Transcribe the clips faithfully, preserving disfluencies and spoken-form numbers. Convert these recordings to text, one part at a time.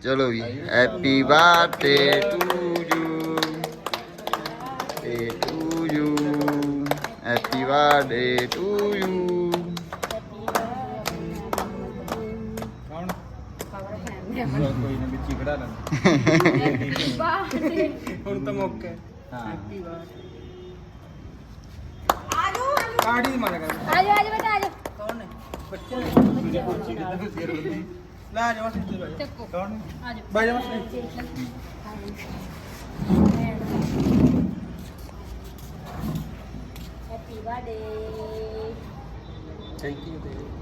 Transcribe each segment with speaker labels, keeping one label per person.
Speaker 1: चलो जी happy birthday to you to you happy birthday to you
Speaker 2: ਕੋਈ ਨਾ ਵਿੱਚ ਹੀ ਖੜਾ ਲੈਂਦੇ ਹੁਣ ਤਾਂ ਮੌਕੇ ਹਾਂ ਹੈਪੀ ਬਰਥਡੇ ਆਜੋ ਕਾੜੀ ਮਾਰ ਕਰ
Speaker 3: ਆਜੋ ਆਜੋ ਬੇਟਾ ਆਜੋ
Speaker 2: ਕੌਣ ਨੇ ਬੱਚੇ ਨੇ ਮੇਰੇ ਕੋਚੀ ਕਿੱਦਾਂ ਸਿਰ ਹੁੰਦੀ ਲਾ ਜਾ ਬਸ ਇੱਥੇ ਬੈਠ
Speaker 3: ਚੱਕੋ
Speaker 2: ਕੌਣ ਨੇ
Speaker 3: ਆਜੋ
Speaker 2: ਬਾਈ ਜਾ ਬਸ
Speaker 3: happy birthday
Speaker 2: thank you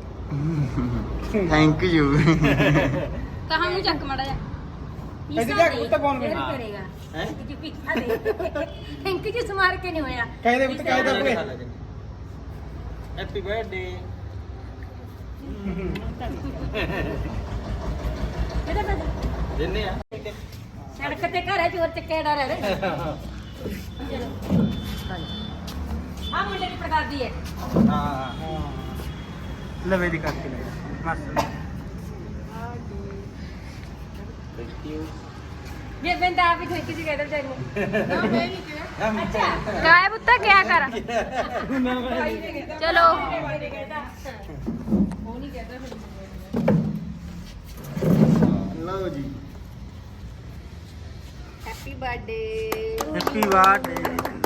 Speaker 1: thank you
Speaker 3: ਕਹਾਂ ਨੂੰ ਚੱਕ ਮੜਾ ਜਾ
Speaker 2: ਇਹਦੇ ਜਾ ਕੁੱਤਾ ਕੌਣ
Speaker 3: ਫਿਰ
Speaker 2: ਕਰੇਗਾ
Speaker 3: ਕਰੇਗਾ
Speaker 2: ਹੈ
Speaker 3: ਕਿ ਪੀਠਾ ਦੇ ਥੈਂਕ ਯੂ ਸਮਾਰ ਕੇ ਨਹੀਂ ਹੋਇਆ
Speaker 2: ਕਾਇਦੇ ਵਿੱਚ ਕਾਇਦਾ ਪੂਰੇ ਹੈਪੀ ਬਰਥਡੇ
Speaker 3: ਇਹਦਾ ਬਸ
Speaker 2: ਦਿੰਨੇ ਆ
Speaker 3: ਸੜਕ ਤੇ ਘਰ ਹੈ ਚੋਰ ਚੱਕੇ ਡਰ ਹੈ ਚਲੋ ਆ ਮੁੰਡੇ ਦੀ ਪ੍ਰਕਾਦੀ ਹੈ
Speaker 2: ਹਾਂ ਲਵੇ ਦੀ ਕਰਕੇ ਲੈ ਬਸ ਥੈਂਕ ਯੂ
Speaker 3: ये बंदा आप ही ठेकी से कहते बेचारे ना मैं नहीं किया अच्छा काय पुत्ता क्या कर चलो वो नहीं कहता
Speaker 1: लो जी
Speaker 3: हैप्पी बर्थडे
Speaker 2: ਹੈਪੀ ਬਰਥਡੇ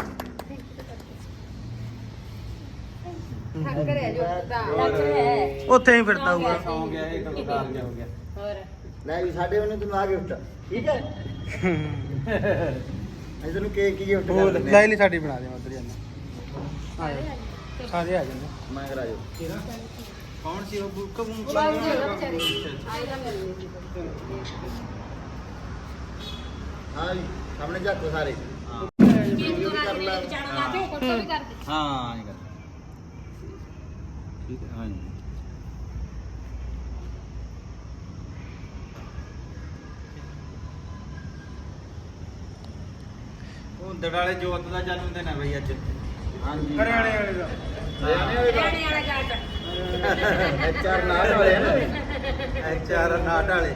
Speaker 3: थक रहे जो पुत्ता थक रहे है
Speaker 2: ਉੱਥੇ ਹੀ ਫਿਰਦਾ ਹੋਊਗਾ ਸੌ ਗਿਆ ਇਹ ਕਲਕਾਰ ਗਿਆ ਹੋ ਗਿਆ
Speaker 3: और
Speaker 1: ਲੈ ਵੀ ਸਾਡੇ ਉਹਨੇ ਤੈਨੂੰ ਆ ਗਿਫਟ ਠੀਕ ਹੈ ਅਸੀਂ ਤੈਨੂੰ ਕੇਕ ਕੀ ਗਿਫਟ
Speaker 2: ਉਹ
Speaker 1: ਕਰ ਦਿੰਦੇ
Speaker 2: ਲੈ ਲਈ ਸਾਡੀ ਬਣਾ ਦੇ ਉਧਰ ਜਾਣਾ ਸਾਰੇ ਆ ਜਾਂਦੇ
Speaker 1: ਮੈਂ ਕਰਾ ਜੋ
Speaker 2: ਕੌਣ ਸੀ ਉਹ ਬੁੱਕ ਬੁੱਕ
Speaker 3: बाबू जी बेचारे आई ना मिलनी
Speaker 1: ਹਾਂ ਜੀ ਸਾਹਮਣੇ ਝਾਕੋ ਸਾਰੇ
Speaker 3: केक तो रात में बेचारा लाते फोटो भी कर दे
Speaker 2: ਹਾਂ ਇਹ ਕਰ ਠੀਕ ਹੈ ਹਾਂ ਜੀ ਉਹ ਦੜਾਲੇ ਜੋਤ ਦਾ ਜਨਮ ਦਿਨ ਹੈ ਬਈ ਅੱਜ
Speaker 1: ਹਾਂਜੀ
Speaker 2: ਹਰਿਆਣੇ ਵਾਲੇ ਦਾ
Speaker 3: हरियाणा वाला जाट
Speaker 1: ਐਚਆਰ ਨਾਲ ਵਾਲੇ ਆ ਨਾ
Speaker 2: ਐਚ ਆਰ ਨਾਟ ਵਾਲੇ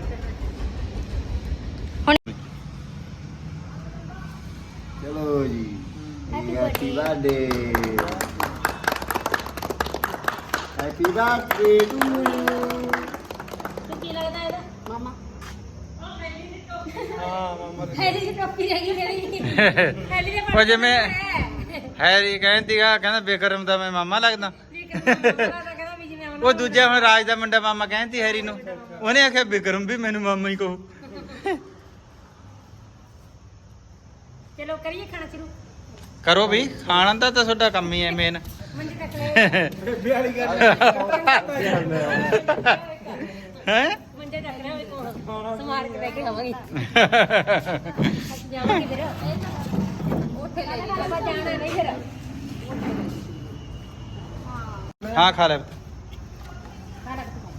Speaker 1: ਚਲੋ ਜੀ happy birthday happy birthday to you
Speaker 3: तो की लगता है मामा
Speaker 2: ਹਾਂ ਮਾਮਾ
Speaker 3: ਹੈਰੀ ਦੀ ਟੋਪੀ ਰਹਿ ਗਈ ਮੇਰੀ ਹੈਰੀ ਦੇ
Speaker 2: ਉਹ ਜਿਵੇਂ ਹੈਰੀ ਕਹਿੰਦੀਗਾ ਕਹਿੰਦਾ ਬੇਕਰਮ ਦਾ ਮੈਂ ਮਾਮਾ ਲੱਗਦਾ
Speaker 3: ਕਹਿੰਦਾ ਵੀ ਜਿਵੇਂ
Speaker 2: ਉਹ ਦੂਜਾ ਹੁਣ ਰਾਜ ਦਾ ਮੁੰਡਾ ਮਾਮਾ ਕਹਿੰਦੀ ਹੈਰੀ ਨੂੰ ਉਹਨੇ ਆਖਿਆ ਬੇਕਰਮ ਵੀ ਮੈਨੂੰ ਮਾਮਾ ਹੀ ਕਹੂ
Speaker 3: ਚਲੋ ਕਰੀਏ ਖਾਣਾ ਸ਼ੁਰੂ
Speaker 2: ਕਰੋ ਵੀ ਖਾਣਾ ਦਾ ਤਾਂ ਤੁਹਾਡਾ ਕੰਮ ਹੀ ਹੈ ਮੇਨ
Speaker 3: ਮੰਜੀ ਤੱਕ ਲੈ
Speaker 2: ਬੇਬੇ ਵਾਲੀ ਗੱਲ ਹੈ
Speaker 3: ਮੰਜੇ ਤੱਕ ਲੈ ਸਮਾਰ ਕੇ ਲੈ ਕੇ ਆਵਾਂਗੇ ਅਸੀਂ ਜਾਵਾਂਗੇ ਫਿਰ ਉੱਥੇ ਲੈ ਕੇ ਆਪਾਂ ਜਾਣਾ ਨਹੀਂ ਫਿਰ
Speaker 2: ਹਾਂ ਖਾ ਲੈ
Speaker 3: ਖਾਣਾ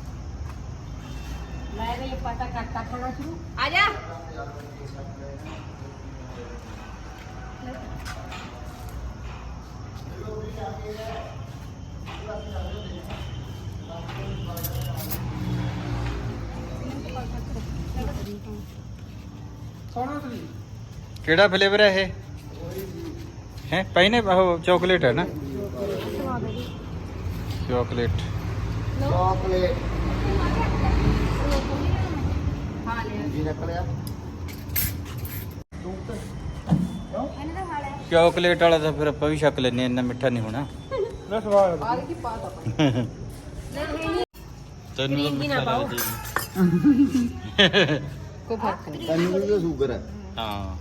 Speaker 3: ਲੈ ਬਈ ਪਤਾ ਕੱਟਾ ਖਾਣਾ ਸ਼ੁਰੂ ਆ ਜਾ
Speaker 2: ਕਿਹੜਾ ਫਲੇਵਰ ਹੈ ਇਹ ਹੈ ਪਾਈਨੇ ਉਹ ਚਾਕਲੇਟ ਹੈ ਨਾ ਚਾਕਲੇਟ
Speaker 1: ਚਾਕਲੇਟ
Speaker 3: ਖਾ ਲਿਆ
Speaker 1: ਜੀ ਨਿਕਲਿਆ
Speaker 3: ਇਹਨੇ ਤਾਂ ਖਾ ਲਿਆ
Speaker 2: ਚਾਕਲੇਟ ਵਾਲਾ ਤਾਂ ਫਿਰ ਆਪਾਂ ਵੀ ਛਕ ਲੈਨੇ ਇੰਨਾ ਮਿੱਠਾ ਨਹੀਂ ਹੋਣਾ ਨਾ ਸਵਾਦ
Speaker 3: ਆ ਕੀ ਪਾਤਾ ਨਹੀਂ
Speaker 2: ਤੈਨੂੰ
Speaker 3: ਕਰੀਮ ਵੀ ਨਾ
Speaker 2: ਮਿੱਠਾ
Speaker 3: ਪਾਓ।
Speaker 2: ਲੱਗਦਾ ਜੀ।
Speaker 3: ਕੋਈ ਫਰਕ ਨਹੀਂ
Speaker 1: ਤੈਨੂੰ ਵੀ ਸ਼ੂਗਰ ਹੈ
Speaker 2: ਹਾਂ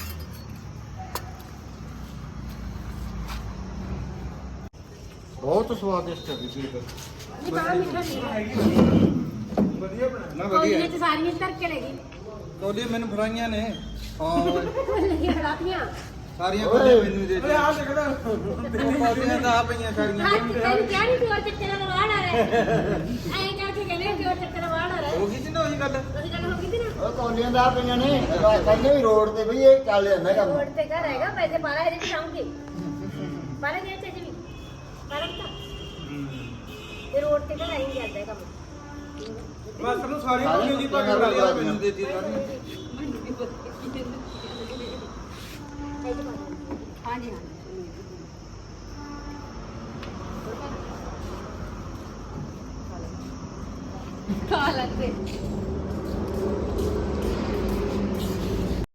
Speaker 2: ਬਹੁਤ ਸਵਾਦਿਸ਼ਟ ਹੈ ਜੀ
Speaker 3: ਨਹੀਂ ਬੜਾ ਮਿੱਠਾ ਨਹੀਂ
Speaker 2: ਵਧੀਆ ਬਣਾ ਨਾ
Speaker 3: ਕੋਈ ਨੇ ਤੇ ਸਾਰੀਆਂ ਧਰ ਕੇ ਲੈ ਗਈ
Speaker 2: ਕੋਲੀ ਮੈਨੂੰ ਫੜਾਈਆਂ ਨੇ ਹਾਂ
Speaker 3: ਲੱਗੀਆਂ ਖੜਾਤੀਆਂ
Speaker 2: ਸਾਰੀਆਂ ਕੋਲੀ ਮੈਨੂੰ ਦੇ ਦੇ ਆ ਦੇਖਦਾ ਕੋਲੀਆਂ ਤਾਂ ਆ ਪਈਆਂ ਸਾਰੀਆਂ
Speaker 3: ਹਾਂ ਤੈਨੂੰ ਕਿਹਾ ਨਹੀਂ ਤੂੰ ਚੱਕਰ ਨਾਲ ਵਾੜ ਆ ਰਿਹਾ ਐਂ ਕਰਕੇ ਕਹਿੰਦੇ ਕਿ ਉਹ ਚੱਕਰ ਨਾਲ ਵਾੜ ਆ ਰਿਹਾ
Speaker 2: ਹੋ ਗਈ ਸੀ ਨਾ ਉਹੀ ਗੱਲ
Speaker 3: ਉਹਦੀ ਗੱਲ ਹੋ ਗਈ ਸੀ ਨਾ
Speaker 1: ਉਹ ਕੌਲੀਆਂ ਦਾ ਪਈਆਂ ਨੇ ਕਹਿੰਦੇ ਵੀ ਰੋਡ ਤੇ ਬਈ ਇਹ ਚੱਲ ਜਾਂਦਾ ਕੰਮ
Speaker 3: ਰੋਡ ਤੇ ਘਰ ਹੈਗਾ ਪੈਸੇ ਬਾਰਾਂ ਹਜ਼ਾਰ ਚ ਆਉਂਗੇ ਬਾਰਾਂ ਹਜ਼ਾਰ ਚ ਜੀ ਬਾਰਾਂ ਤਾਂ ਇਹ ਰੋਡ ਤੇ ਘਰ ਆਈ ਜਾਂਦਾ ਹੈ ਕੰਮ
Speaker 4: ਮਾਸਟਰ ਨੂੰ ਸਾਰੀ
Speaker 1: ਸਾਰੇ
Speaker 4: ਮੰਮੀ ਦੀ
Speaker 1: ਪੱਤੀਆਂ
Speaker 4: ਭਾਗ ਬਣਾ ਲਿਆ
Speaker 1: ਨਾਲ
Speaker 4: ਮੈਨੂੰ ਦੇ ਦਿੱਤੀ ਸਾਰੀ
Speaker 3: ਹਾਂਜੀ ਹਾਂ ਖਾ ਲੈਂਦੇ